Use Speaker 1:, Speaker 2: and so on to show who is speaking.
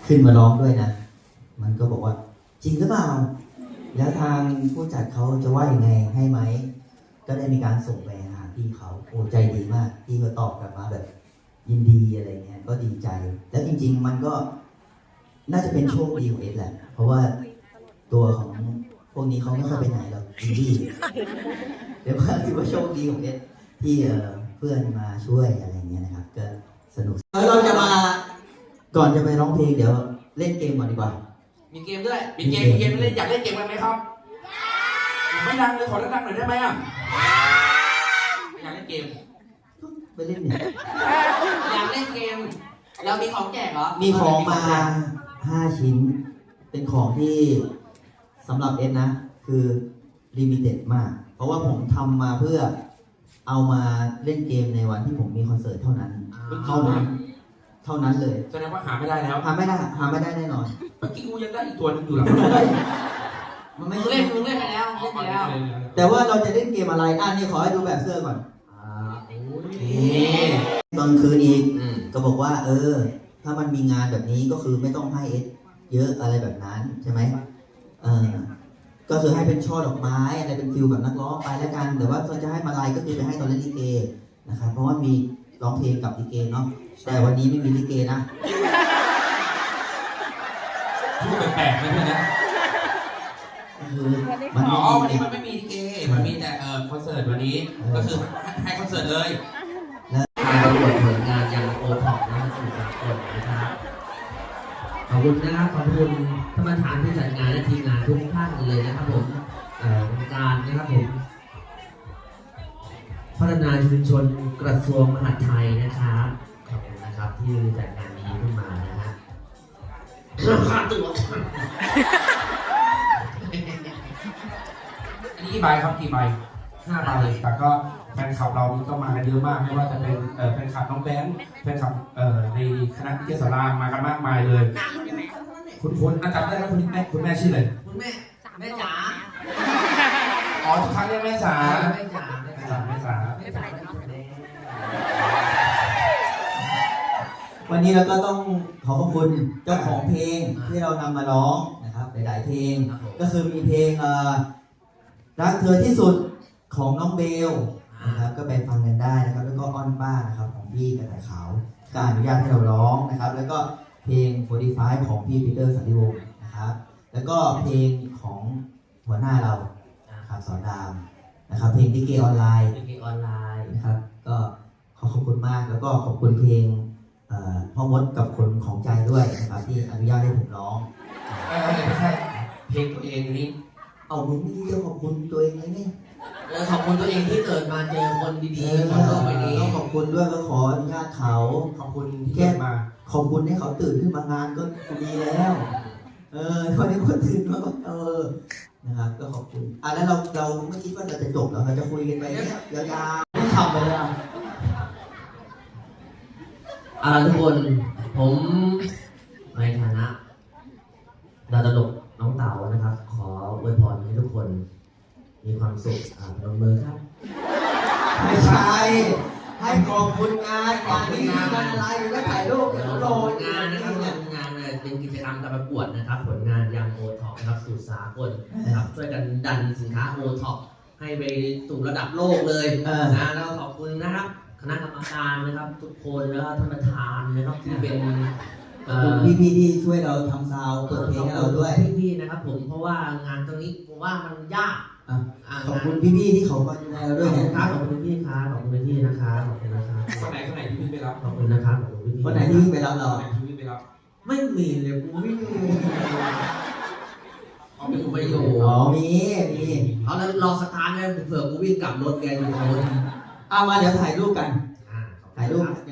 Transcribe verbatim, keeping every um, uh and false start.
Speaker 1: ขึ้นมาร้องด้วยนะมันก็บอกว่าจริงหรือเปล่าแล้วทางผู้จัดเขาจะว่ายังไงให้ไหมก็ได้มีการส่งไปหาพี่เขาโอ้ใจดีมากพี่ก็ตอบกลับมาแบบยินดีอะไรเงี้ยก็ดีใจแล้วจริงๆมันก็น่าจะเป็นโชคดีของเอสแหละเพราะว่าตัวของพวกนี้เขาไม่ค่อยไปไหนหรอกอินดี้เดี๋ยวว่าถือว่าโชคดีของเอสที่เพื่อนมาช่วยอะไรเงี้ยนะครับก็สนุกแล้วเราจะมาก่อนจะไปร้องเพลงเดี๋ยวเล่นเกมก่อนดีกว่า
Speaker 2: มีเกมด้วยมีเกมมีเกมเล่นอยากเล่นเกมกันไหมครับไม่ดังเลยขอดังๆหน่อยได้ไหมอ่ะอยากเล่นเกม
Speaker 1: ไปเล่นเนี่ย
Speaker 2: อยากเล่นเกมเรามีของแจกเหรอ
Speaker 1: มีของมาห้าชิ้นเป็นของที่สำหรับเอสนะคือลิมิเต็ดมากเพราะว่าผมทำมาเพื่อเอามาเล่นเกมในวันที่ผมมีคอนเสิร์ตเท่านั้นเท่านั้นเท่านั้นเลย
Speaker 2: แสดงว่าหาไม่ได้แล้ว
Speaker 1: หาไม่ได้หาไม่ได้แน่นอน
Speaker 2: เมื่อกี้กูยังได้อีกตัวนึงอยู่หลังมันไม่เล่นมึงเล่นไปแล้วเล่นไปแล้ว
Speaker 1: แต่ว่าเราจะเล่นเกมอะไรอ่ะนี่ขอให้ดูแบบเสื้อก่อนอ่าโอ้ยตอนคืนอีกก็บอกว่าเออถ้ามันมีงานแบบนี้ก็คือไม่ต้องให้เอสเยอะอะไรแบบนั้นใช่ไหมเออก็คือให้เป็นช่อดอกไม้อะไรเป็นฟิลแบบนักร้องไปแล้วกันแต่ว่าถ้าจะให้มาลัยก็คือไปให้ตอนเล่นลิเกนะครับเพราะว่ามีร้องเพลงกับลิเกเนาะแต่วันนี้ไม่มีลิเกนะ
Speaker 2: พูดแปลกๆไม่ใช่นะ
Speaker 1: คือ
Speaker 2: มันอ๋อวันนี้มันไม่มีลิเกมันมีแต่เอ่อคอนเสิร์ตวันนี้ก็คือให้คอนเสิร์ตเลย
Speaker 3: และการประกวดผลงานยังโอท็อปและสื่อสารคนนะครับขอบคุณนะครับขอบคุณท่านประธานผู้จัดงานและทีมงานทุกท่านเลยนะครับผมการนะครับผมพัฒนาชุมชนกระทรวงมหาดไทยนะครับขอบคุณนะครับที่จัดงานนี้ขึ้นมานะฮะค่าตัว
Speaker 2: อันนี้กี่ใบครับกี่ใบห้าใบแต่ก็แฟนคลับเรานี่ก็มากันเยอะมากไม่ว่าจะเป็นแฟนคลับน้องแบงค์แฟนคลับในคณะวิทยาศาสตร์มากันมากมายเลยคุณคุณอาจารย์ได้แล้วคุณแม่คุณแม่ชื่ออะไร
Speaker 3: คุณแม่แม่จ๋า
Speaker 2: อ๋อทุกครั้งเรียกแม่จ๋า
Speaker 3: แม่จ๋า
Speaker 2: แม่จ๋าแม่จ๋า
Speaker 1: วันนี้เราก็ต้องขอขอบคุณเจ้าของเพลงที่เรานำมาร้องนะครับหลายๆเพลงก็คือมีเพลงรักเธอที่สุดของน้องเบลนะครับก็ไปฟังกันได้นะครับแล้วก็อ้อนป้านะครับของพี่กระต่ายขาวก็อนุญาตให้เราร้องนะครับแล้วก็เพลงโฟร์ตี้ไฟว์ของพี่ปีเตอร์สันติวงศ์นะครับแล้วก็เพลงของหัวหน้าเราครับสอนรามนะครับเพลงดิเกออนไลน์
Speaker 3: ดิเกออนไลน์
Speaker 1: นะครับก็ขอขอบคุณมากแล้วก็ขอบคุณเพลงพ่อมดกับคนของใจด้วยนะครับที่อนุญาตให้ผมร้อง
Speaker 2: ไม่ใช่เพลงตัวเองนี้
Speaker 1: เอามึงไม่ได้ขอบคุณตัวเองเลยเนี่ย
Speaker 3: ขอบคุณตัวเองที่เกิดมาเจอคนดีๆบนโลกใบนี้
Speaker 1: ต้องขอบคุณด้วยก็ขออนุญาตเขา
Speaker 2: ขอบคุณที่แค่มา
Speaker 1: ขอบคุณให้เขาตื่นขึ้นมางานก็ดีแล้วเออตอนนี้คนตื่นมาก็เออนะครับก็ขอบคุณอ่ะแล้วเราเราไม่คิดว่าเราจะจบแล้วเราจะคุยกันไปเนี่ยยาวๆไม่ทำเลยอ่ะ
Speaker 3: อ่าทุกคนผมในฐานะดาวตลกน้องเต๋านะครับขออวยพรให้ทุกคนมีความสุขอ่าพนมมือครับ
Speaker 1: ไม่ใช่ให้ขอบคุณงานงานนี้งานอะไรไม่ถ่ายรูปโดน
Speaker 3: งานนะครับงานเป็นกิจกรรมการประกวดนะครับผลงานยังโอท็อปนะครับสู่สากลนะครับช่วยกันดันสินค้าโอท็อปให้ไปสู่ระดับโลกเลยนะแล้วขอบคุณนะครับคณะกรรมการนะครับทุกคนแล้วท่านประธานนะครับที่เป็น
Speaker 1: พี่พี่ที่ช่วยเราทำซาวเปิดเพลงให้เราด้วย
Speaker 3: พี่ๆนะครับผมเพราะว่างานตรงนี้ผมว่ามันยาก
Speaker 1: ขอบคุณพี่พี่ที่เขามาดูแลเราด้วย
Speaker 3: นะครับขอบคุณพี่ครับขอบคุณพี่นะครับขอบคุณนะครับ
Speaker 2: คนไหนคนไหนที่พี่ไปรับ
Speaker 3: ขอบคุณนะครับขอบคุณพี่
Speaker 1: คนไหนที่พี่ไปรับเรา
Speaker 2: ที่พี่ไปรับ
Speaker 3: ไม่มีเลยกูไม่มี
Speaker 2: เอาไปอยู่ไปอยู่
Speaker 1: อ๋อมีมี
Speaker 3: เอาแล้วรอสตาร์ทเลยเผื่อกูวิ่งกลับรถแกอยู่คน
Speaker 1: เอามาเดี๋ยวถ่ายรูปกันถ่ายรูป